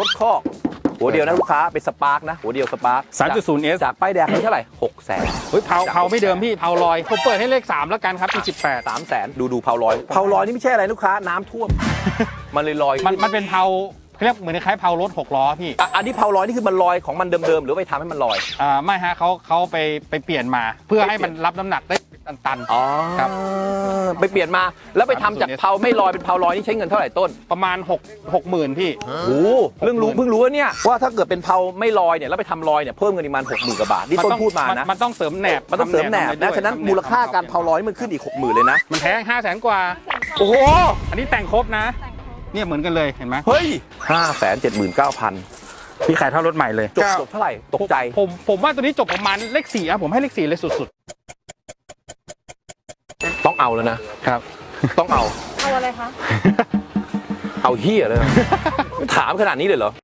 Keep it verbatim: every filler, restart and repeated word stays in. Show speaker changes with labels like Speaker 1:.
Speaker 1: ถคอกหัวเดียวนะลูกค้าเป็นสปาร์กนะหัวเดียวสปาร์ก
Speaker 2: สามจุดศูนย์ เอส
Speaker 1: จากป้ายแดงนี่เท่าไหร่หกแสน
Speaker 2: เฮ้ยเผาเผาไม่เดิมพี่เผาลอยผมเปิดให้เลขสามแล้วกันครับปีสิบแปด
Speaker 1: สามแสนดูดูเผาลอยเผาลอยนี่ไม่ใช่อะไรลูกค้าน้ำท่วม มันเลยลอย
Speaker 2: มันมันเป็นเผาเขาเรียกเหมือนคล้ายเผารถหกล้อพี่
Speaker 1: อ่ะอันนี้เผาลอยนี่คือมันลอยของมันเดิมๆหรือไปทำให้มันลอย
Speaker 2: อ่าไม่ฮะเขาเขาไปไปเปลี่ยนมา เพื่อให้มันรับน้ำหนักได้ตัน
Speaker 1: อ๋อ
Speaker 2: ครับ
Speaker 1: ไปเปลี่ยนมาแล้วไปทำจากเผาไม่ลอยเป็นเผาลอยนี่ใช้เงินเท่าไหร่ต้น
Speaker 2: ๆประมาณ6 6หมื่นพี่
Speaker 1: โอ้โหเรื่องรู้เพิ่งรู้ว่าเนี่ยว่าถ้าเกิดเป็นเผาไม่ลอยเนี่ยแล้วไปทำลอยเนี่ยเพิ่มเงินประมาณหกหมื่นกว่าบาทนี่ต้นพูดมานะ
Speaker 2: มันต้องเสริมแหนบ
Speaker 1: มันต้องเสริมแหนบนะฉะนั้นมูลค่าการเผาลอยนี่มันขึ้นอีกหกหมื่นเลยนะ
Speaker 2: มันแพงห้าแสนกว่า
Speaker 1: โอ้โห
Speaker 2: อันนี้แต่งครบนะ เนี่ยเหมือนกันเลยเห็นไหม
Speaker 1: เฮ้ยห้าแสนเจ็ดหมื่นเก้าพัน
Speaker 2: พี่ขายเท่ารถใหม่เลย
Speaker 1: จบจบเท่าไหร่ตกใจ
Speaker 2: ผมผมว่าตัวนี้จบประมาณเลขสี่อะผมให้เลขสี่เลยสุด
Speaker 1: ต้องเอาแล้วนะ
Speaker 2: ๆครับ
Speaker 1: ต้องเอา
Speaker 3: เอาอะไรคะ
Speaker 1: เอาเฮียเลยนะ ถามขนาดนี้เลยเหรอ